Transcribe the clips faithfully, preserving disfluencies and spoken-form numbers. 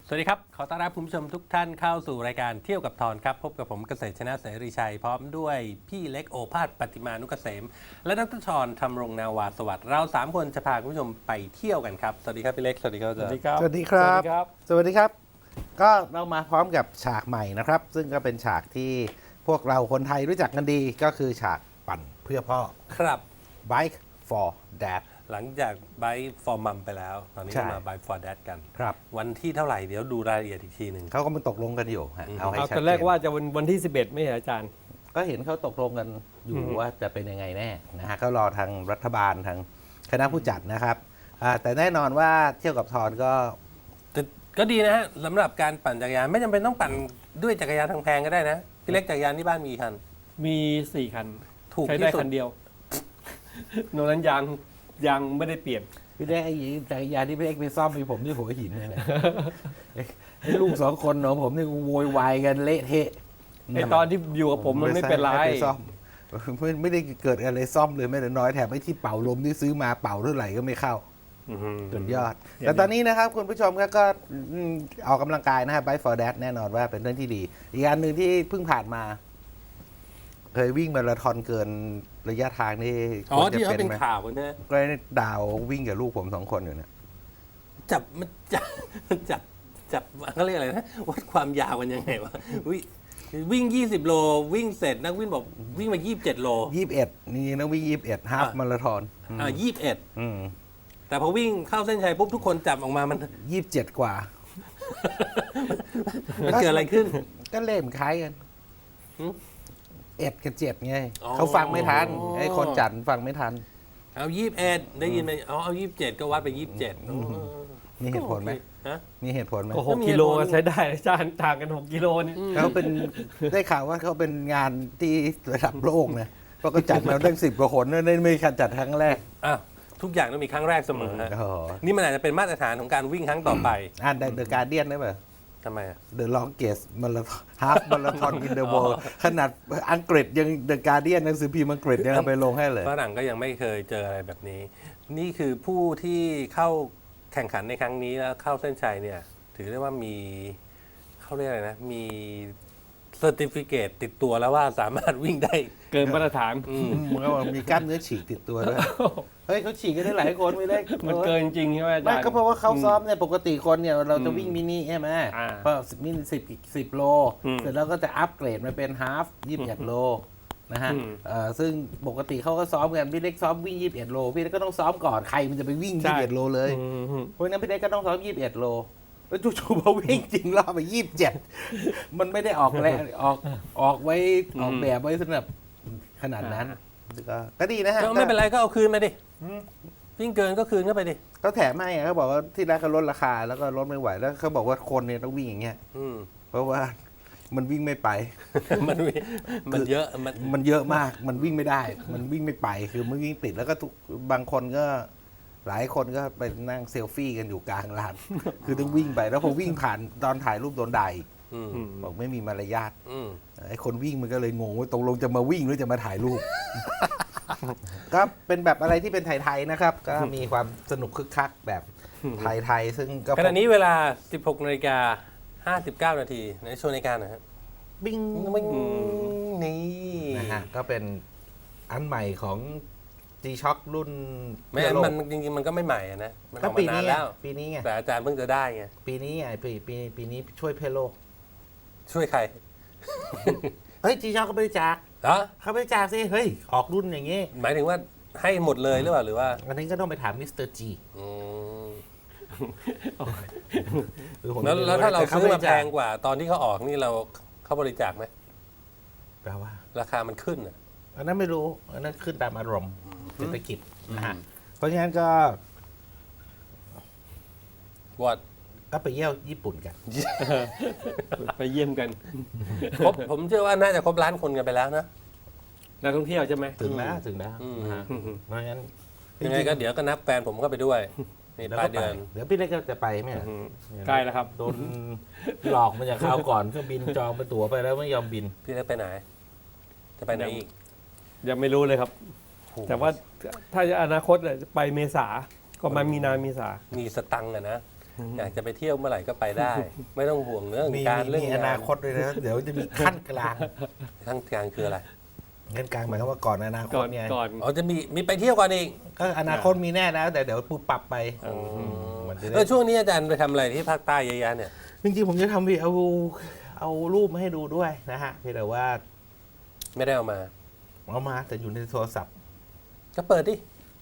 สวัสดีครับขอต้อนรับคุณผู้ชมทุกท่านเข้าสู่รายการเที่ยวกับทอนครับพบกับผมเกษตรชนะเสรีชัยพร้อมด้วยพี่เล็กโอภาสปฏิมานุกเกษมและดรชรธรรมรงนาวาสวัสดิ์เราสามคนจะพาคุณผู้ชมไปเที่ยวกันครับสวัสดีครับพี่เล็กสวัสดีครับอาจารย์สวัสดีครับสวัสดีครับสวัสดีครับ ก็เรามาพร้อมกับฉากใหม่นะครับ ซึ่งก็เป็นฉากที่พวกเราคนไทยรู้จักกันดีก็คือฉากปั่นเพื่อพ่อครับ Bike for Dad หลังจากไบฟ์ฟอร์มัมไปแล้ว ตอนนี้ใช่มาไบฟ์ฟอร์แดดกันครับวันที่เท่าไหร่เดี๋ยวดูรายละเอียดอีกทีหนึ่งเขาก็มาตกลงกันอยู่ฮะเอาให้เอาชัดตอนเจแรกนว่าจะวันวันที่สิบเอ็ดไม่ใช่อาจารย์ก็เห็นเขาตกลงกันอยู่ว่าจะเป็นยังไงแน่นะฮะก็รอทางรัฐบาลทางคณะผู้จัดนะครับอ่าแต่แน่นอนว่าเที่ยวกับทอนก็แต่ก็ดีนะฮะสำหรับการปั่นจักรยานไม่จำเป็นต้องปั่นด้วยจักรยานทางแพงก็ได้นะพี่เล็กจักรยานที่บ้านมีกี่คันมีสี่คันถูกใช้ที่ได้สุดคันเดียวนอกนั้นยางยางไม่ได้เปลี่ยนพี่เล็กไอ้จักรยานที่พี่เล็กไปซ่อมมีผมที่หัวหินเนี่ยนะไอ้ลูกสองคนของผมนี่โวยวายกันเละเทะไอตอนที่อยู่กับผมมันไม่เป็นไรให้ซ่อมไม่ไม่ได้เกิดอะไรซ่อมเลยไม่แต่น้อยแถมไอ้ที่เป่าลมที่ซื้อมาเป่าเท่าไหร่ก็ไม่เข้าสุดยอด แต่ตอนนี้นะครับคุณผู้ชมครับก็อืมออกกำลังกายนะครับ Bike for Dad แน่นอนว่าเป็นเรื่องที่ดี อีกอันหนึ่งที่เพิ่งผ่านมา เคยวิ่งมาราธอนเกินระยะทางนี่อ๋อควรจะที่เขาเป็นไหมข่าวกันนะก็ได้ดาววิ่งกับลูกผมสองคนอยู่เนี่ยจับมันจับมันจับจับเขาเรียกอะไรนะวัดความยาวกันยังไงวะวิวิ่ง ยี่สิบ โล วิ่งเสร็จนักวิ่งบอกวิ่งมา ยี่สิบเจ็ด โลยี่สิบเอ็ดนี่นักวิ่งยี่สิบเอ็ดฮาฟอ่ะมาราธอนอ่ายี่สิบเอ็ดอืมแต่พอวิ่งเข้าเส้นชัยปุ๊บทุกคนจับออกมามันยี่สิบเจ็ดกว่ามันเกิดอะไรขึ้นก็เล่มนคล้ายกันหืมเอ็ดกับเจ็ดไงอ๋อเขาฟังไม่ทันไอ้คนจัดฟังไม่ทันเอายี่สิบเอ็ดได้ยินไหมอ๋อเอายี่สิบเจ็ดก็วัดไปยี่สิบเจ็ดมีเหตุผลไหมฮะมีเหตุผลไหมก็หกกิโลก็ใช้ได้อาจารย์ต่างกันหกกิโลนี่เขาเป็น ได้ข่าวว่าเขาเป็นงานที่ระดับโลกนะเพราะก็จัดมาตั้งสิบกว่าคนนั่นไม่ใช่จัดครั้งแรกอ่ะทุกอย่างต้องมีครั้งแรกเสมอฮะโอ้โหนี่มันอาจจะเป็นมาตรฐานของการวิ่งครั้งต่อไปอ่านเดอะการเดียนได้ไหมทำไมอ่ะ The longest marathon half marathon in the world ขนาดอังกฤษยัง The Guardian หนังสือพิมพ์อังกฤษยังเอาไปลงให้เลยฝรั่งก็ยังไม่เคยเจออะไรแบบนี้ นี่คือผู้ที่เข้าแข่งขันในครั้งนี้แล้วเข้าเส้นชัยเนี่ย ถือได้ว่ามีเขาเรียกอะไรนะ มีเซอร์ติฟิเคตติดตัวแล้วว่าสามารถวิ่งได้เกินมาตรฐานอืมมันก็บอกมีกล้ามเนื้อฉีกติดตัวด้วย เฮ้ยเขาฉีกกันได้หลายคนไม่ได้มันเกินจริงใช่ไหมอาจารไม่ย์ก็เพราะว่าเขาซ้อมเนี่ยปกติคนเนี่ยเราจะอืมวิ่งมินิใช่ไหมอ่าพอสิบมินิสิบอีกสิบโลอืมเสร็จแล้วก็จะอัปเกรดมาเป็นฮาฟยี่สิบเอ็ดโลนะฮะอืมเอ่อซึ่งปกติเขาก็ซ้อมกันพี่เล็กซ้อมวิ่งยี่สิบเอ็ดโลพี่เล็กก็ต้องซ้อมก่อนใครมันจะไปวิ่งยี่สิบเอ็ดโลเลยอืมเพราะฉะนั้นพี่เล็กก็ต้องซ้อมยี่สิบเอ็ดโลแล้วจู่ๆพอวิ่งจริงรอบไปยี่สิบเจ็ดมันไม่ได้ออกแรงออกออกไว้ออกแบบไว้สำหรับขนาดนั้นก็ก็ดีนะฮะก็ไม่เป็นไรก็เอาคืนมาดิวิ่งเกินก็คืนเข้าไปดิเขาแถมให้อะเขาบอกว่าที่แรกเขาลดราคาแล้วก็ลดไม่ไหวแล้วเขาบอกว่าคนเนี่ยต้องวิ่งอย่างเงี้ยอืมเพราะว่ามันวิ่งไม่ไปมันมีมันเยอะมันมันเยอะมากมันวิ่งไม่ได้ มันวิ่งไม่ไปคือมันวิ่งติดแล้วก็ทุกบางคนก็หลายคนก็ไปนั่งเซลฟี่กันอยู่กลางลาน คือต้องวิ่งไปแล้วพอวิ่งผ่านตอนถ่ายรูปโดนด่าอีกอืมอืมบอกไม่มีมารยาทอืมไอ้คนวิ่งมันก็เลยงงว่าตกลงจะมาวิ่งหรือจะมาถ่ายรูป ก็เป็นแบบอะไรที่เป็นไทยๆนะครับ ก็มีความสนุกคึกคักแบบไทยๆซึ่งก็ขณะนี้เวลา สิบหกนาฬิกาห้าสิบเก้านาทีในโชว์นาฬิกาหน่อยฮะบิ้งวิ่งนี่นะฮะก็เป็นอันใหม่ของ G-Shock รุ่นไม่เพื่อโลกมันจริงๆมันก็ไม่ใหม่อะนะ มันอก็อกปีมานานนี้ไงแล้วปีนี้ไงแต่อาจารย์เพิ่งจะได้ไงปีนี้ไงปีปีปีนี้ช่วยเพื่อโลกช่วยใครเฮ้ย G-Shock เขาบริจาคเหรอเขาบริจาคสิเฮ้ยออกรุ่นอย่างงี้หมายถึงว่าให้หมดเลยหรือเปล่าหรือว่าอันนี้ก็ต้องไปถามมิสเตอร์จีอืมคือผมแล้วไม่แล้วถ้าเราต่ซื้อมาบแพจคงกว่าตอนที่เขาออกนี่เราเขาบริจาคไหมแปลว่าราคามันขึ้นอ่ะอันนั้นไม่รู้อันนั้นขึ้นตามอารมณ์เศรษฐกิจนะฮะเพราะฉะนั้นก็วอดก็ไปเยี่ยวญี่ปุ่นกันไปเยี่ยมกันครบผมเชื่อว่าน่าจะครบล้านคนกันไปแล้วนะนักท่องเที่ยวใช่ไหมถึงแล้วถึงแล้วอืมนะฮะเพราะฉะนั้นยังไงก็เดี๋ยวก็นับแฟนผมเข้าไปด้วยนี่เดี๋ยวปลาก็ยไปเดือนเดี๋ยวพี่เล็กก็จะไปไหมอะอืมใกล้แล้วครับโดนหลอกมาจากคราวก่อนเครื่องบินจองไปตั๋วไปแล้วไม่ยอมบินพี่เล็กไปไหน จะไปไหนอีกยังไม่รู้เลยครับโอ้โหแต่ว่าถ้าอนาคตเนี่ยจะไปเมษาก็มามีนาเมษามีสตังค์อะนะอยากจะไปเที่ยวเมื่อไหร่ก็ไปได้ ไม่ต้องห่วงเรื่องมีการมีเรื่องมีอนาานคตด้วยนะ เดี๋ยวจะมีขั้นกลางขั้นกลางคืออะไรขั้นกลางหมายความว่าก่อนอนาคก่ตอนเนี่ยก่อนอ๋อจะมีมีไปเที่ยวก่อนอีกก็อนาคตมีแน่แล้วแต่เดี๋ยวปุ๊บปรับไปมันจะเอได้อช่วงนี้อาจารย์ไปทำอะไรที่ภาคใต้เยอะแยะเนี่ยจริงๆผมจะทำวีเอาเอารูปมาให้ดูด้วยนะฮะเพียงแต่ว่าไม่ได้เอามาเอามาแต่อยู่ในโทรศัพท์ก็เปิดดิ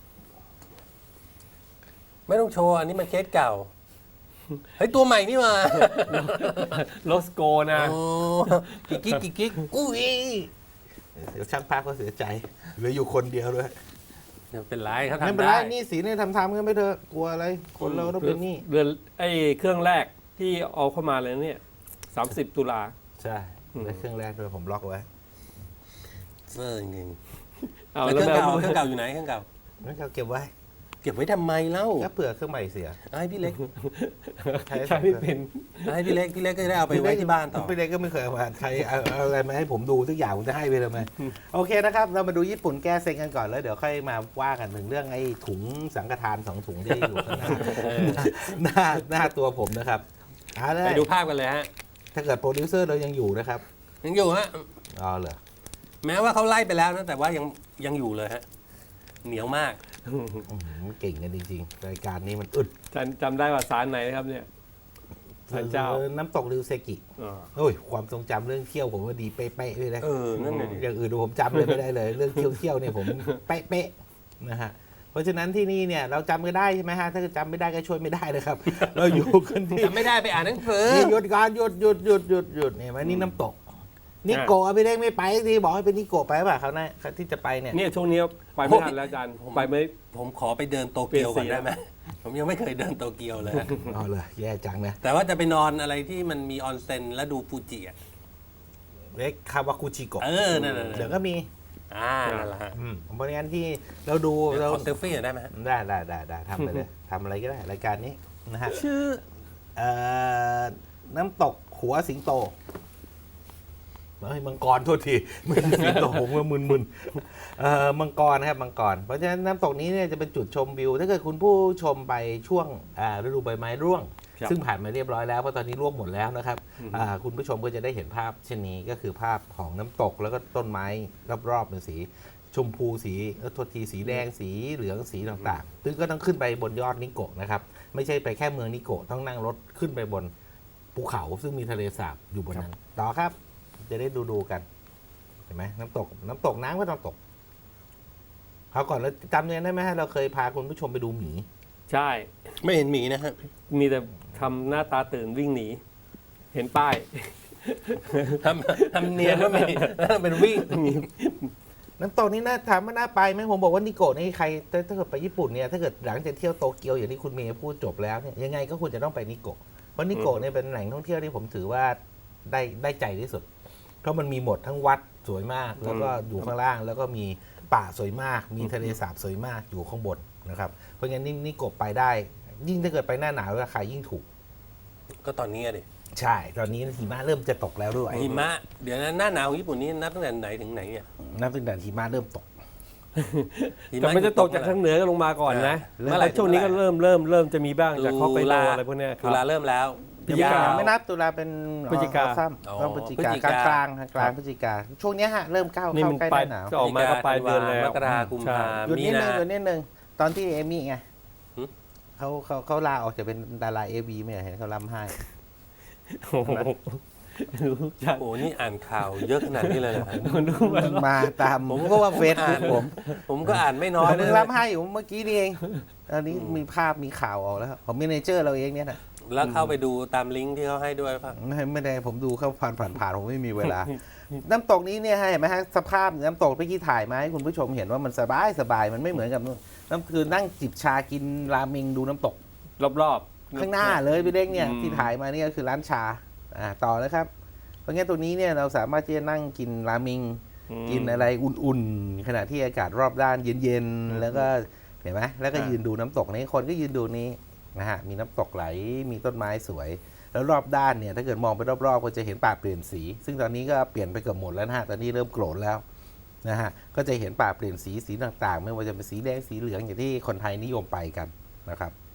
ไม่ต้องโชว์ อันนี้มันเคสเก่า เฮ้ย ตัวใหม่นี่มาโลสโกนะโอ้กิ๊กกิ๊กกิ๊กกิ๊กอุ้ยเดี๋ยวช่างภาพก็เสียใจเหลืออยู่คนเดียวด้วยไม่เป็นไรเขาไม่ทำเป็นไรได้นี่สีเนี่ยทำทำกันไปเถอะกลัวอะไร คนเราต้องเป็นหนี่เดือนไอ้เครื่องแรกที่เอาเข้ามาเลยเนี่ยสามสิบตุลาใช่และเครื่องแรกด้วยผมล็อกไว้เซอร์จริงเอาๆแล้วเคแล้รื่วองแบบเก่าเครื่องเก่าอยู่ไหนเครื่องเก่างั้นเขาเก็บไว้เก็บไว้ทำไมเล่าถ้าเผื่อเครื่องใหม่เสียเอาให้พี่เล็กใช้ใช้ไม่เป็นเอาให้พี่เล็ก พี่เล็กก็ได้เอาไปไว้ที่บ้านต่อพี่เล็กก็ไม่เคยเอามาใช้เอาเอาอะไรมาให้ผมดูทุกอย่างผมจะให้ไปเลยไหมโอเคนะครับ เรามาดูญี่ปุ่นแก้เซ็งกันก่อนแล้วเดี๋ยวค่อยมาว่ากันถึงเรื่องไอ้ถุงสังฆทานสองถุงที่อยู่ข้างหน้าหน้าหน้าตัวผมนะครับเอาเลยไปดูภาพกันเลยฮะถ้าเกิดโปรดิวเซอร์เรายังอยู่นะครับยังอยู่ฮะอ๋อเหรอแม้ว่าเขาไล่ไปแล้วนะ แต่ว่ายังยังอยู่เลยฮะ เหนียวมากอื้อหือเก่งกันจริงๆรายการนี้มันอึดจำจำได้ว่าสารไหนนะครับเนี่ย ศาลเจ้าออน้ำตกริวเซกิอ๋อโอ้ยความทรงจำเรื่องเที่ยวผมว่าดีเป๊ะๆเลยนะเออ นั่นเลยอย่างอื่นผมจำเลยไม่ได้เลย เรื่องเที่ยวเที่ยวๆเนี่ยผมเป๊ะๆนะฮะเพราะฉะนั้นที่นี่เนี่ยเราจำกันได้ใช่ไหมฮะถ้าเกิดจำไม่ได้ก็ช่วยไม่ได้เลยครับ เราอยู่กันที่จำไม่ได้ไปอ่านหนังสือนี่หยุดการหยุดหยุดหยุดหยุดหยุดเนี่ยมันนี่น้ำตกนิโกะไม่ได้ไม่ไปทีบอกให้เป็นนิโกะไปป่ะเขาวหน้าที่จะไปเนี่ยเนี่ยช่วงนี้ไปไม่ทันแล้วอาจารย์ไปไม่ผมขอไปเดินโตเกียวก่อนเปลี่ยนสีได้ไหม ผมยังไม่เคยเดินโตเกียวเลยฮะอ๋อเลยแย่จังนะแต่ว่าจะไปนอนอะไรที่มันมีออนเซ็นแล้วดูฟูจิอ่ะเล็กคาวากุชิโกะเออ นั่นน่ะเดี๋ยวก็มีอ่า นั่นแหละฮะอืมเพราะงั้นที่เราดูเดี๋ยวเราขอเซลฟี่หน่อยได้ไหมฮะได้ได้ได้ได้ทำไปเลยทำอะไรก็ได้รายการนี้นะฮะชื่อเอ่อน้ำตกหัวสิงโตเฮ้ยมังกรโทษทีไม่ใช่สิงโตผมว่ามึนๆเอ่อมังกรนะครับมังกรเพราะฉะนั้นน้ำตกนี้เนี่ยจะเป็นจุดชมวิว ถ้าเกิดคุณผู้ชมไปช่วงอ่าฤดูใบไม้ร่วงครับซึ่งผ่านมาเรียบร้อยแล้วเพราะตอนนี้ร่วงหมดแล้วนะครับอ่าคุณผู้ชมก็จะได้เห็นภาพเช่นนี้ก็คือภาพของน้ำตกแล้วก็ต้นไม้รอบๆเป็นสี ชมพูสีเอ่อโทษทีสีแดงสีเหลืองสีต่างๆซึ่งก็ต้องขึ้นไปบนยอดนิโกะนะครับไม่ใช่ไปแค่เมืองนิโกะต้องนั่งรถขึ้นไปบนภูเขาซึ่งมีทะเลสาบอยู่บนนั้นต่อครับ จะได้ดูดูๆกันเห็นไหมน้ำตก น้ำตกน้ำก็ต้องตกเขาวก่อนแล้วจำเนี่ยได้ไหมฮะเราเคยพาคุณผู้ชมไปดูหมีใช่ไม่เห็นหมีนะฮะมีแต่ทำหน้าตาตื่นวิ่งหนี เห็นป้ายทำทำเนียนว่ามีแล้วเป็นวิ่งน้ำตกนี่น่าถามว่าน่าไปไหมผมบอกว่านิโกะนี่ใครถ้าถ้าเกิดไปญี่ปุ่นเนี่ยถ้าเกิดหลังจากเที่ยวโตเกียวอย่างที่คุณเมย์พูดจบแล้วเนี่ยยังไงก็ควรจะต้องไปนิโกะเพราะนิโกะเนี่ยเป็นแหล่งท่องเที่ยวที่ผมถือว่าได้ได้ใจที่สุด เพราะมันมีหมดทั้งวัดสวยมาก แล้วก็อยู่ข้างล่าง แล้วก็มีป่าสวยมาก มีทะเลสาบสวยมากอยู่ข้างบนนะครับเพราะงั้นนี่นิโกะไปได้ ยิ่งถ้าเกิดไปหน้าหนาวราคายิ่งถูกก็ตอนนี้อะดิใช่ ตอนนี้หิมะเริ่มจะตกแล้วด้วยหิมะ เดี๋ยวนะหน้าหนาวของญี่ปุ่นนี่นับตั้งแต่ไหนถึงไหนเนี่ยนับตั้งแต่หิมะเริ่มตกหิแต่มันจะตกจากทางเหนือก็ลงมาก่อนนะเมื่อไหร่แล้วช่วงนี้ก็เริ่มเริ่มเริ่มจะมีบ้างจากฮอกไกโดตุลาอะไรพวกเนี้ยคตุรับลาเริ่มแล้วพฤศจิกายาวไม่นับตุลาเป็นพฤศจิกาซ้อ๋อำต้องพฤศจิกาพฤศจิกกาลางกลางกลางพฤศจิกาช่วงเนี้ยฮะเริ่มก้าวนี่เข้ามันใกล้หปลาน้าย หนาวจะออกมาก็ปลายเดือนแล้วมกราคมใช่พาหยุดมีนิดนึนางหยุดนิดนึงตอนที่เอมี่ไงหึเขาเขาเขาลาออกจากเป็นดาราเอวีไม่เห็นเขาล้ำให้โอ้โหรู้จักโอ้นี่อ่านข่าวเยอะขนาดนี้เลยเหรอครับมันรู้มามาตามผมก็ว่าเฟซบุ๊กผมผมก็อ่านไม่น้อยผมเลเพิ่ยงล้ำให้อยู่เมื่อกี้นี่เองตอนนี้มีภาพมีข่าวออกแล้วผมมีเนเจอร์เราเองเนี่ยนะแล้วเข้าไปดูตามลิงก์ที่เขาให้ด้วยป่ะไม่ไม่ได้ผมดูเข้าผ่านผ่านผ่านผมไม่มีเวลา น้ำตกนี้เนี่ยเห็นไหมฮะสภาพน้ำตกเมื่อกี้ถ่ายมาให้คุณผู้ชมเห็นว่ามันสบายสบายมันไม่เหมือนกับนู่นน้ำคือนั่งจิบชากินราเมงดูน้ำตกรอบๆข้างหน้าเลยพี่เล็กเนี่ยอืมที่ถ่ายมาเนี่ยคือร้านชาอ่าต่อนะครับ เพราะงั้นตัวนี้เนี่ยเราสามารถที่จะนั่งกินราเมงอืมกินอะไรอุ่นๆ ขณะที่อากาศรอบด้านเย็นๆ แล้วก็เห็นไหมแล้วก็อ่ายืยืนดูน้ำตกนี้คนก็ยืนดูนี้นะฮะมีน้ำตกไหลมีต้นไม้สวย แล้วรอบด้านเนี่ยถ้าเกิดมองไปรอบๆก็จะเห็นป่าเปลี่ยนสี ซึ่งตอนนี้ก็เปลี่ยนไปเกือบหมดแล้วนะฮะตอนนี้เริ่มโกรธแล้วนะฮะก็จะเห็นป่าเปลี่ยนสีสีต่างๆ ไม่ว่าจะเป็นสีแดงสีเหลืองอย่างที่คนไทยนิยมไปกันนะครับ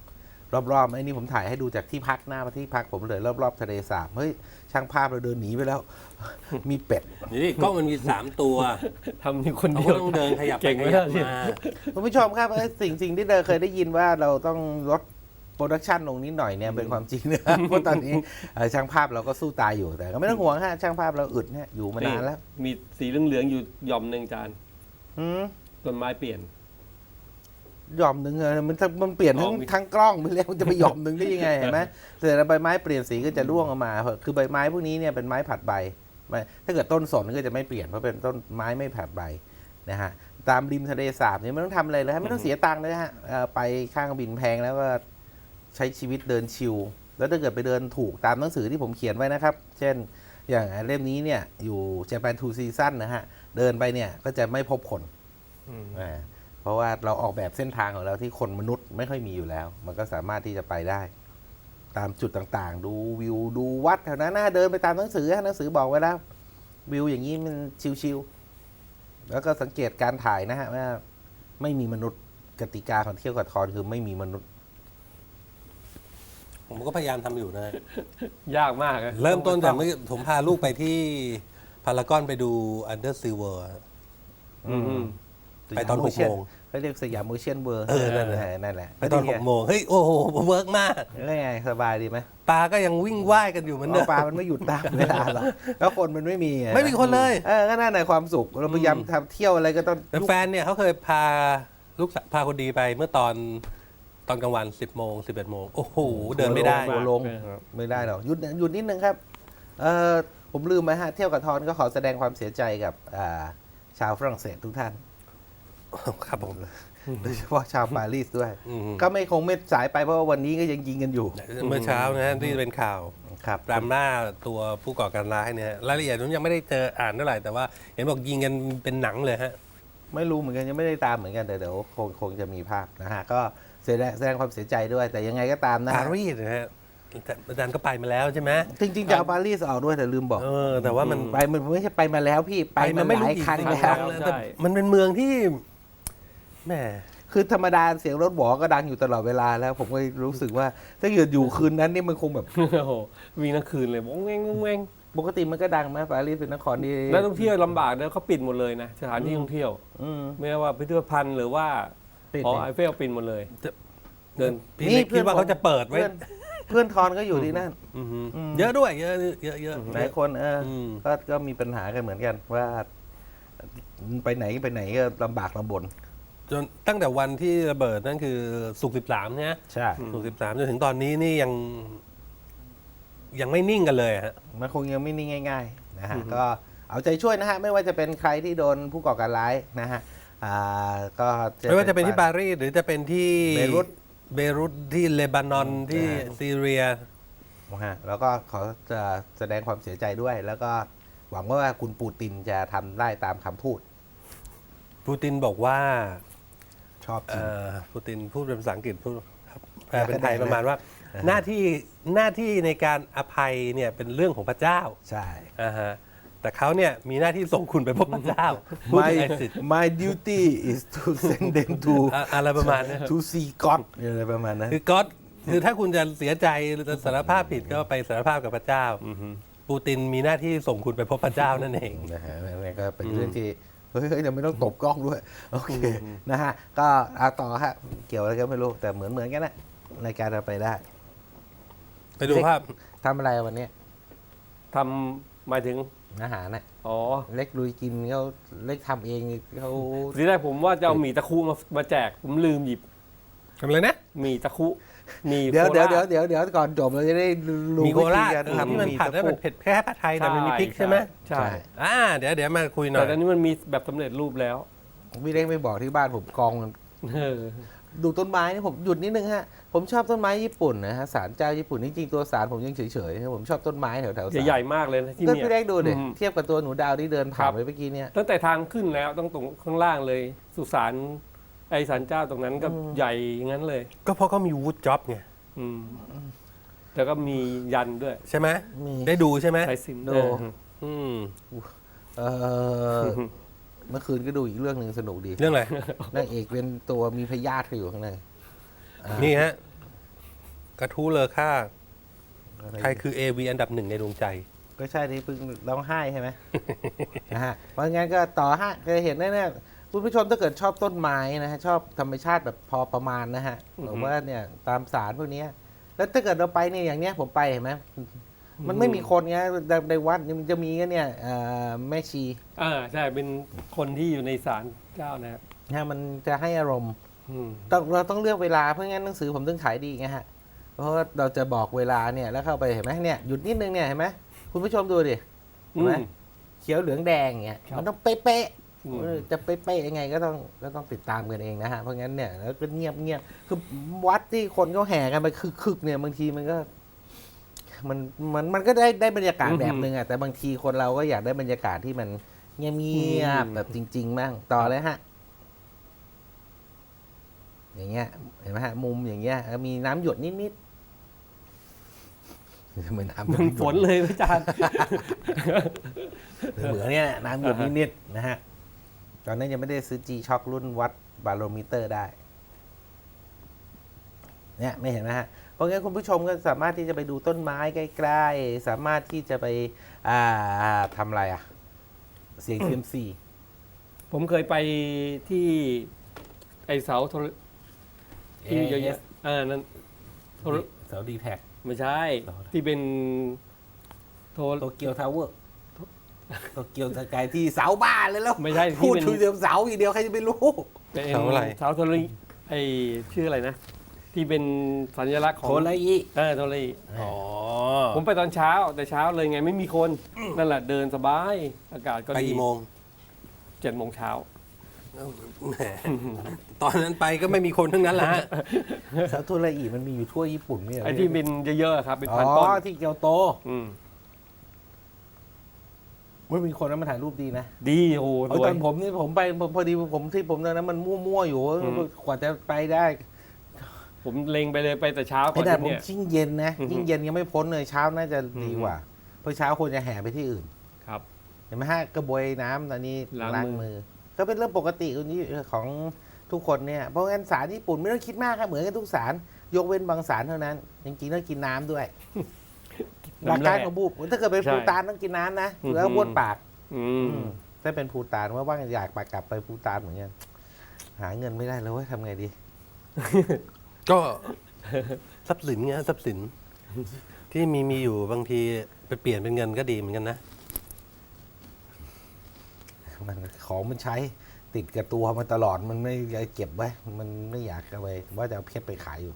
รอบๆไอ้นี่ผมถ่ายให้ดูจากที่พักหน้ามาที่พักผมเลยรอบๆทะเลสาบเฮ้ยช่างภาพเราเดินหนีไปแล้ว มีเป็ดนี่กล้องมันมีสามตัวทำนี่คนเขาเดียก็วต้องเดินขยับไปเก่งขไหมยับเนี่ยมาคุณผู้ชมครับเอ้ยสิ่งสิ่งที่เดินเคยได้ยินว่าเราต้องลดโปรดักชันลงนิดหน่อยเนี่ยเป็นความจริงนะ เพราะตอนนี้เอ่อช่างภาพเราก็สู้ตายอยู่แต่ก็ไม่ต้องห่วงฮะช่างภาพเราอึดเนี่ยอยู่มานานแล้วมีสีเหลืองๆอยู่หย่อมหนึ่งจานอืมต้นไม้เปลี่ยนหย่อมหนึ่งเลยมันมันเปลี่ยนทั้งอ๋อมีทั้งกล้องไปแล้วมันจะไปหย่อมหนึ่งได้ยังไงเห็นไหมแต่ใบไม้เปลี่ยนสีก็จะร่วงออกมา คือใบไม้พวกนี้เนี่ยเป็นไม้ผัดใบไม่ถ้าเกิดต้นสนก็จะไม่เปลี่ยนเพราะเป็นต้นไม้ไม่ผัดใบนะฮะตามริมทะเลสาบเนี่ยไม่ต้องทำอะไรเลยฮะไม่ต้องเสียตังค์เลยฮะเอ่อไปข้างบินแพงแล้วก็ใช้ชีวิตเดินชิลแล้วถ้าเกิดไปเดินถูกตามหนังสือที่ผมเขียนไว้นะครับ เช่นอย่างเล่มนี้เนี่ยอยู่ Japan Two Season นะฮะเดินไปเนี่ยก็จะไม่พบคนอ่าเพราะว่าเราออกแบบเส้นทางของเราที่คนมนุษย์ไม่ค่อยมีอยู่แล้ว มันก็สามารถที่จะไปได้ ตามจุดต่างๆ ดูวิวดูวัดแถวนั้นนะเดินไปตามหนังสือหนังสือบอกไว้แล้ว วิวอย่างนี้มันชิวๆแล้วก็สังเกตการถ่ายนะฮะว่าไม่มีมนุษย์กติกาของเที่ยวกับทอนคือไม่มีมนุษย์ผมก็พยายามทำอยู่นะยากมากอะเริ่มต้นจากเมื่อผมพาลูกไปที่พารากอนไปดู Under Sea World อะอืมไปตอนหกโมงเขาเรียกสยามโอเชียนเวิร์เออนั่นแหละนั่นแหละไปตอนหกโมงเฮ้ย โอ้โหเวิร์กมากแล้วไงสบายดีไหมปลาก็ยังวิ่งว่ายกันอยู่เหมือนเดิเอามปลามันไม่หยุดตามเวลาหรอกแล้วคนมันไม่มีอะไม่มีคนเลยเออก็น่าในความสุขเราพยายามทำเที่ยวอะไรก็ต้องแต่แฟนเนี่ยเขาเคยพาลูกสาวพาคนดีไปเมื่อตอนตอนกลางวัน สิบโมง สิบเอ็ดโมงโอ้โห เดินไม่ได้หัวลงไม่ได้หรอกหยุดหยุดนิดนึงครับเออผมลืมไปฮะเที่ยวกับทอนก็ขอแสดงความเสียใจกับอ่าชาวฝรั่งเศสทุกท่านครับผมโดยเฉพาะชาวปารีสด้วยอืมก็ไม่คงไม่สายไปเพราะว่าวันนี้ก็ยังยิงกันอยู่เมื่อเช้านะฮะที่เป็นข่าวครับดราม่าตัวผู้ก่อการร้ายเนี่ยรายละเอียดผมยังไม่ได้เจออ่านเท่าไหร่แต่ว่าเห็นบอกยิงกันเป็นหนังเลยฮะไม่รู้เหมือนกันยังไม่ได้ตามเหมือนกันแต่เดี๋ยวคงคงจะมีภาพนะฮะก็แสดงแสดงความเสียใจด้วย แต่ยังไงก็ตามนะปาฮะรีสนะฮะแต่อาจารย์ก็ไปมาแล้วใช่ไหมจริงๆจะเอาปารีสออกด้วยแต่ลืมบอกเออ แต่ว่ามันไปมันไม่ใช่ไปมาแล้วพี่ไปมาหลายครั้งกี่แล้วแล้วแต่มันเป็นเมืองที่แหมคือธรรมดาเสียงรถหวอก็ดังอยู่ตลอดเวลาแล้ว ผมก็รู้สึกว่าถ้าเกิดอยู่คืนนั้นนี่มันคงแบบโอ้โหวิ่งทั้งคืนเลยวงเวงวงเวงปกติมันก็ดังไหมปารีสเป็นนครที่นักท่องเที่ยวลำบากนะเขาปิดหมดเลยนะสถานที่ท่องเที่ยวอืมไม่ว่าพิพิธภัณฑ์หรือว่าปิดหอเนี่ยไอเฟลปิดหมดเลย เดินพี่นี่เล็กคิดว่าเพื่อนผมเขาจะเปิดไว้เพื่อนเพื่อนทอนก็อยู่ที่นั่นอือฮึอืมเยอะด้วย เยอะเยอะเยอะหลายคนเอออมก็ก็มีปัญหากันเหมือนกันว่าไปไหนไปไหนก็ลำบากลำบนจนตั้งแต่วันที่ระเบิดนั่นคือสุกสิบสามเนี่ยใช่สุกสิบสามจนถึงตอนนี้นี่ยัง ยังไม่นิ่งกันเลยฮะมันคงยังไม่นิ่งง่ายๆนะฮะก็เอาใจช่วยนะฮะไม่ว่าจะเป็นใครที่โดนผู้ก่อการร้ายนะฮะอ่าก็ไม่ว่าจะเป็นที่ปารีสหรือจะเป็นที่เบรุตเบรุตที่เลบานอนที่ใช่ซีเรียนะฮะแล้วก็ขอจะแสดงความเสียใจด้วย แล้วก็หวังว่าคุณปูตินจะทำได้ตามคำพูดปูตินบอกว่าชอบจริเอ่งอปูตินพูดเป็นภาษาอังกฤษพูดครับแปลเป็นไทยได้ไหมประมาณว่า หน้าที่หน้าที่ในการอภัยเนี่ยเป็นเรื่องของพระเจ้าใช่อ่าฮะแต่เขาเนี่ยมีหน้าที่ส่งคุณไปพบพระเจ้าพูด my ถึงไอซิส my duty is to send them to อะอะไรประมาณเนี้ย to see God อะไรประมาณนั้นคือก็คือถ้าคุณจะเสียใจหรือจะสารภาพผิดก็ไปสารภาพกับพระเจ้าปูตินมีหน้าที่ส่งคุณไปพบพระเจ้านั่นเองนะฮะนั่นก็เป็นเรื่องที่เฮ้ยเฮ้ยเดี๋ยวไม่ต้องตบกล้องด้วย โอเคนะฮะก็เอาต่อฮะเกี่ยวอะไรก็ไม่รู้ แต่เหมือนเหมือนกันนะรายการเราไปได้ไปดูภาพทำอะไรวันนี้ทำหมายถึงอาหารน่ะอ๋อเล็กลุยกินเขาเล็กทำเองเขาทีแรกผมว่าจะเอาหมี่ตะคุมามาแจก ผมลืมหยิบทำอะไรนะหมี่ตะคุหมี่เดี๋ยวโคเดี๋ยวราชเดี๋ยวเดี๋ยวเดี๋ยวก่อนจบเราจะได้รู้มีโคราชวิธีกเออที่มันทำผัดแล้วมันตะเผ็ดแค่ผัดไทยแต่มันมีพริกใช่ไหมใช่อ่าเดี๋ยวเดี๋ยวมาคุยหน่อแต่ยตอนนี้มันมีแบบสำเร็จรูปแล้วคุพี่เล็กไม่บอกที่บ้านผมกองมันเออดูต้นไม้นี่ผมหยุดนิดนึงฮะผมชอบต้นไม้ญี่ปุ่นนะฮะศาลเจ้าญี่ปุ่นจริงๆตัวศาลผมยังเฉยๆผมชอบต้นไม้แถวๆศาลใหญ่ๆมากเลยนะที่ก็เนี่ยพี่เล็กดูดิอืมเทียบกับตัวหนูดาวที่เดินผ่าครันบไปเมื่อกี้เนี่ยตั้งแต่ทางขึ้นแล้วต้องตรงข้างล่างเลย สุสานไอสารเจ้าตรงนั้นก็ใหญ่อย่างนั้นเลยก็เพราะเขามีวูดจ็อบไงอืมแล้วก็มียันด้วยใช่ไหมมีได้ดูใช่ไหมใช้ซิมดูเอออืมเออเมื่อคืนก็ดูอีกเรื่องหนึ่งสนุกดีเรื่องอะไรนางเอกเป็นตัวมีพยาธิอยู่ข้างในอ่านี่ฮะกระทู้เลอค่าใครคือ เอ วี อันดับหนึ่งในดวงใจก็ใช่ที่เพิ่งร้องไห้ใช่ไหม นะฮะเพราะงั้นก็ต่อฮะจะเห็นแน่ๆคุณผู้ชมถ้าเกิดชอบต้นไม้นะฮะชอบธรรมชาติแบบพอประมาณนะฮะหรือว่าเนี่ยตามสารพวกเนี้ยแล้วถ้าเกิดเราไปเนี่ยอย่างเนี้ยผมไปเห็นไหมมันไม่มีคนไงในในวัดมันจะมีก็เนี่ยเอ่อแม่ชีอ่าใช่เป็นคนที่อยู่ในศาลเจ้านะฮะนะมันจะให้อารมณ์อืมต้องเราต้องเลือกเวลาเพราะงั้นหนังสือผมต้องขายดีไงฮะเพราะว่าเราจะบอกเวลาเนี่ยแล้วเข้าไปเห็นไหมเนี่ยหยุดนิดนึงเนี่ยเห็นไหมคุณผู้ชมดูดิเห็นไหมอืมเขียวเหลืองแดงเงี้ยครับมันต้องเป๊ะอืมๆเออจะเป๊ะๆยังไงก็ต้องก็ต้องติดตามกันเองนะฮะเพราะงั้นเนี่ยแล้วก็เงียบเงียบคือวัดที่คนเขาแห่กันไปคึกๆเนี่ยบางทีมันก็มันมันมันก็ได้ได้บรรยากาศแบบนึงอ่ะแต่บางทีคนเราก็อยากได้บรรยากาศที่มันเงียบๆแบบจริงๆบ้างต่อเลยฮะ อย่างเงี้ยเห็นไหมฮะมุมอย่างเงี้ยแล้วมีน้ำหยดนิดๆเหมือนน้ำเหมือนฝนเลยอาจารย์เหมือนเนี่ยน้ำหยดนิดๆนะฮะตอนนั้นยังไม่ได้ซื้อ G Shock รุ่นวัดบาโรมิเตอร์ได้เนี่ยไม่เห็นไหมฮะเพราะงั้นคุณผู้ชมก็สามารถที่จะไปดูต้นไม้ใกล้ๆสามารถที่จะไปอ่าทำอะไรอ่ะ เสียงเซียมซีผมเคยไปที่ไอเสาโทรที่เยอะแยะอ่านั่นโทรเสาดีแท็กไม่ใช่เสาอะไรที่เป็นโทรโตเกียวทาวเวอร์โตเกียวสกายที่เสาบ้านเลยแล้วไม่ใช่ที่พูดเป็นถึงเดียวเสาอีกเดียวใครจะไปรู้เป็นเสาอะไรเสาโทรไอชื่ออะไรนะ ที่เป็นสัญลักษณ์ของโทรไลอีเออโทรอ๋อผมไปตอนเช้าแต่เช้าเลยไงไม่มีคนนั่นแหละเดินสบายอากาศก็ไปดีกี่โมงเจ็ดโมงเช้าแหมตอนนั้นไปก็ไม่มีคนทั้งนั้นแหละฮะเสาโทรไลอีมันมีอยู่ทั่วญี่ปุ่นไม่ใช่เหรอไอ้ที่เป็นเยอะๆครับเป็นอ๋พันต้นอที่เกียวโตอืมมันมีคนนั้นมาถ่ายรูปดีนะดีโอ้โหเอาสวตยอนผมนี่ผมไปผมพอดีผมที่ผมตอนนั้นมันมั่วๆอยู่อืมกว่าจะไปได้ผมเล็งไปเลยไปแต่เช้าก่ไอ้อนแต่ผมเนี่ยยิ่งเย็นนะอือฮึยิ่งเย็นยังไม่พ้นเลยเช้าน่าจะดีอือฮึกว่าเพราะเช้าคนจะแห่ไปที่อื่นครับเห็นไหมฮะกระบวยน้ำตอนนี้ล้างล้างมืมืออ ก็เป็นเรื่องปกติของทุกคนเนี่ยเพราะงั้นสารญี่ปุ่นไม่ต้องคิดมากครับเหมือนกันทุกสารยกเว้นบางสารเท่านั้นจริงๆต้องกินน้ำด้วยหลักน้ำการแร่ของบูบถ้าเกิดเป็นใช่ภูตานต้องกินน้ำนะอือฮึแล้วบ้วนปากอืมถ้าเป็นภูตานว่าว่างอยากไปกลับไปภูตานเหมือนกันหาเงินไม่ได้แล้วเว้ยทำไงดีก็ทรัพย์สินเงี้ยทรัพย์สิน ที่มีมีอยู่บางทีไปเปลี่ยนเป็นเงินก็ดีเหมือนกันนะมันของมันใช้ติดกับตัวมันตลอดมันไม่อยากเก็บไว้มันไม่อยากเอาไปว่าจะเอาเพชรไปขายอยู่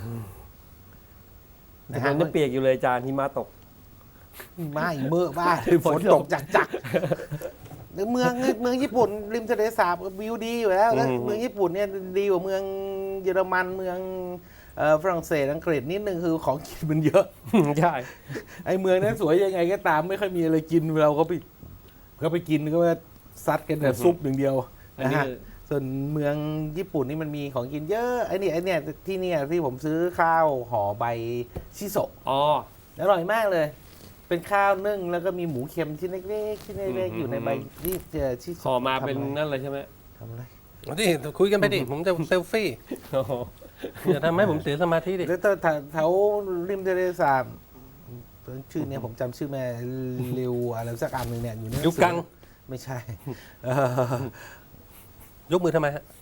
แต่มันจะเปียกอยู่เลยอาจารย์หิมะตกไม่เมื่อบ้าฝนตกจักจักๆเมืองเมืองญี่ปุ่นริมทะเลสาบวิวดีอยู่แล้วแล้วอืมเมืองญี่ปุ่นเนี่ยดีกว่าเมืองเยอรมันเมืองเอ่อฝรั่งเศสอังกฤษนิดนึงคือของกินมันเยอะใช่ไอ้เมืองนั้นสวยยังไงก็ตามไม่ค่อยมีอะไรกินเราก็ไปก็ไปกินก็ว่าซัดกันแต่ซุปอย่างเดียวอันนะนี้ฮะส่วนเมืองญี่ปุ่นนี่มันมีของกินเยอะไอ้นี่ไอ้เนี่ยที่เนี่ยที่ผมซื้อข้าวห่อใบชิโซะอ๋ออร่อยมากเลย เป็นข้าวนึ่งแล้วก็มีหมูเค็มชิ้นเล็กๆชิ้นเล็กอืมๆอยู่ในใบนี่เจอชิโซะห่อมาเป็นทำอะไรนั่นเลยใช่ไหมทำอะไรเอาดิคุยกันไปดิ ผมจะเซลฟี่โอ้โหอย่าทำให้ผมเสียสมาธิดิแล้วแถวแถวริมทะเลสาบชื่อเนี่ยผมจำชื่อแม่ริวอะไรสักอันหนึ่งเนี่ยอยู่ในหนังสือยุคกังไม่ใช่เออยกมือทำไมฮะ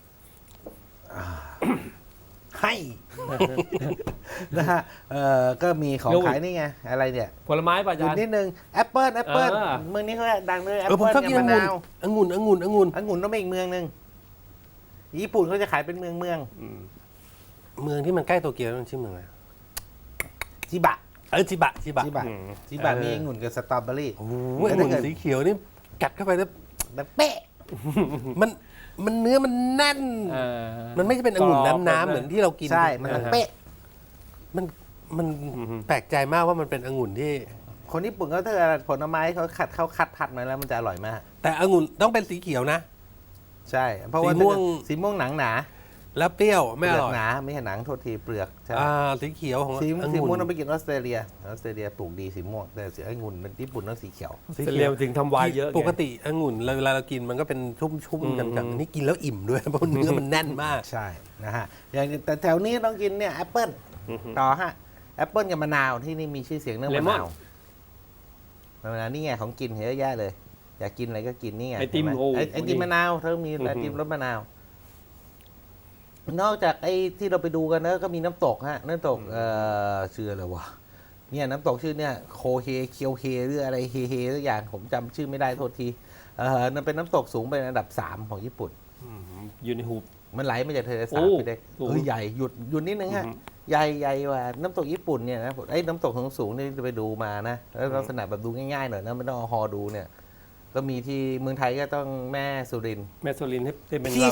ให้นะฮะเออก็มีของขายนี่ไงอะไรเนี่ยผลไม้ป่ะอาหยุดจารย์นิดนึงแอปเปิลแอปเปิลอ่าเมืองนี้เขาดังเลยแอปเออผมเปิลชอบกินกับอมะงุ่นนาวองุ่นองุ่นองุ่นองุ่นต้องไปอีกเมืองหนึ่งญี่ปุ่นเขาจะขายเป็นเมืองเมืองอืมเมืองที่มันใกล้โตเกียวมันชื่อเมืองอะไรจิบะเออจิบะจิบะจิบะอืมจิบะเออมีองุ่นกับสตรอเบอรี่โอ้โหองุ่นสีเขียวนี่กัดเข้าไปแล้วแบบเป๊ะมันมันเนื้อมันแน่นเออมันไม่ใช่เป็นองุ่นกรอบน้ำๆเหมือนที่เรากินใช่มันต้องเป๊ะมันมันอือฮึแปลกใจมากว่ามันเป็นองุ่นที่คนญี่ปุ่นเขาถ้าเกิดผลไม้เขาคัดเขาคัดผัดมาแล้วมันจะอร่อยมากแต่องุ่นต้องเป็นสีเขียวนะใช่ เพราะว่าสีม่วงสีม่วงหนังหนาแล้วเปรี้ยวเปไม่อลือกร่อยหนาไม่ใช่หนังโทษทีเปลือกใช่อ่าสีเขียวของสีองุ่นสีม่วงต้องไปกินออสเตรเลียออสเตรเลียปลูกดีสีม่วงแต่สีองุ่นเป็นญี่ปุ่นต้องสีเขียวสีเสเขีลียยว วถึงทำวายเยอะไงปกติองุ่นเราเวลาเรากินมันก็เป็นชุ่มอืมๆจังๆนี่กินแล้วอิ่มด้วย เพราะเนื้อมันแน่นมากใช่นะฮะอย่างแต่แถวนี้ต้องกินเนี่ยแอปเปิลอือฮึต่อฮะแอปเปิลกับมะนาวที่นี่มีชื่อเสียงเรื่องมะนาวมะนาวนี่ไงของกินเยอะแยะเลย อยากกินอะไรก็กินนี่ไงไอติมเห็นหโอ้ไอไอติมมะนาวเธอมีไอติมรสมะนาว นอกจากไอ้ที่เราไปดูกันนะก็มีน้ำตกฮะน้ำตกเอ่อชื่ออะไรวะเนี่ยน้ำตกชื่อเนี่ยโคเฮเคียวเฮหรืออะไรเฮเฮสักอย่างผมจำชื่อไม่ได้โทษทีเออนั่นเป็นน้ำตกสูงเป็นอันดับสามของญี่ปุ่นอืมอยู่ในหูบมันไหลมาจากทะเลสาบโอ้ไปได้สูงเออใหญ่หยุดหยุดนิดนึงฮะอือฮึใหญ่ใหญ่กว่าน้ำตกญี่ปุ่นเนี่ยนะไอ้น้ำตกสูงสูงๆนี่ไปดูมานะแล้วลักษณะแบบดูง่ายๆหน่อยนะไม่ต้องเอาฮอดูเนี่ย ก็มีที่เมืองไทยก็ต้องแม่สุรินทร์แมสโซลินให้ให้เป็นที่ล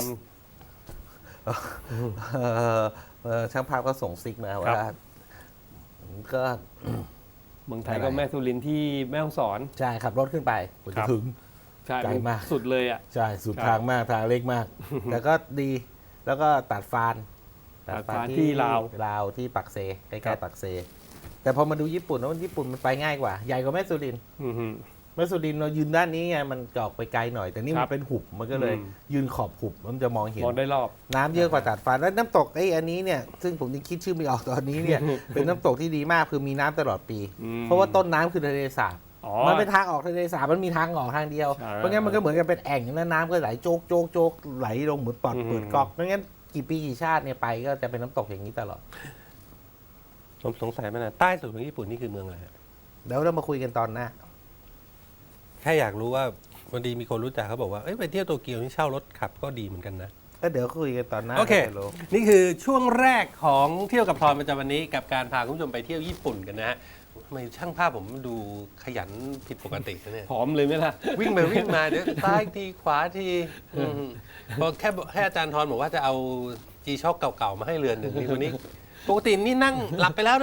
เอ่อเอ่อช่างภาพก็ส่งซิกมาครัว่าบก็ำเมืองไทยอะไรก็แม่โซลินที่แม่ฮ่องสอนใช่ขับรถขึ้นไปกว่าครัจะบถึงใช่ไกลมากสุดเลยอ่ะใช่สุดครับทางมากทางเล็ก มาก แต่ก็ดีแล้วก็ตัดฟานตัดฟานที่ลาวลาวที่ปักเซใกครัล้บๆปักเซ แต่พอมาดูญี่ปุ่นแล้วญี่ปุ่นมันไปง่ายกว่า ใหญ่กว่าแม่สุรินทร์อือฮึแม่สุรินทร์เรายืนด้านนี้ไงมันจะออกไปไกลหน่อย แต่นี่ครัมับนเป็นหุบมันก็เลยอืมยืนขอบหุบมันจะมองเห็นมองได้รอบน้ำเยอะกว่าตัดฟานแล้วน้ำตกไอ้อันนี้เนี่ยซึ่งผมยังคิดชื่อไม่ออกตอนนี้เนี่ย เป็นน้ำตกที่ดีมากคือมีน้ำตลอดปีอืมเพราะว่าต้นน้ำคือทะเลสาบอ๋อมันเป็นทางออกทะเลสาบมันมีทางออกทางเดียวใช่เพราะงั้นมันก็เหมือนกับเป็นแอ่งแล้วน้ำก็ไหลโจกโจกโจกไหลลงเหมือนปอดอืมเปิดก๊อกเพราะงั้นกี่ปีกี่ชาติเนี่ยไปก็จะเป็นน้ำตกอย่างนี้ตลอดผมสงสัยมานานใต้สุดของญี่ปุ่นนี่คือเมืองอะไรฮะเดี๋ยวเรามาคุยกันตอนหน้าแค่อยากรู้ว่าวันดีมีคนรู้จักเขาบอกว่าเอ้ยไปเที่ยวโตเกียวนี่เช่ารถขับก็ดีเหมือนกันนะก็เดี๋ยวคุยกันตอนหน้าโอเคจะรู้นี่คือช่วงแรกของเที่ยวกับทอนประจำวันนี้กับการพาคุณผู้ชมไปเที่ยวญี่ปุ่นกันนะฮะทำไมช่างภาพผมดูขยันผิดปกตินะเนี่ยผอมเลยไหมล่ะวิ่งไปวิ่งมาเดี๋ยวซ้ายทีขวาทีอืมพอแค่แค่อาจารย์ทอนบอกว่าจะเอาจีช็อคเก่าๆมาให้เรือนหนึ่งนี่วันนี้ปกตินี่นั่งหลับไปแล้วนะ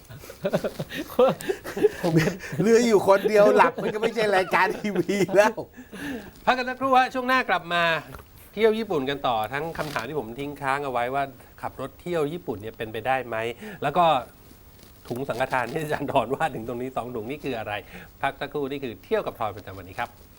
เรืออยู่คนเดียวหลับมันก็ไม่ใช่รายการทีวีแล้วพักกันสักครู่ฮะช่วงหน้ากลับมาเที่ยวญี่ปุ่นกันต่อทั้งคำถามที่ผมทิ้งค้างเอาไว้ว่าขับรถเที่ยวญี่ปุ่นเนี่ยเป็นไปได้ไหมแล้วก็ถุงสังฆทานที่อาจารย์ทอนว่าถึงตรงนี้สองถุงนี่คืออะไร พักสักครู่นี่คือเที่ยวกับทอนประจำวันนี้ครับ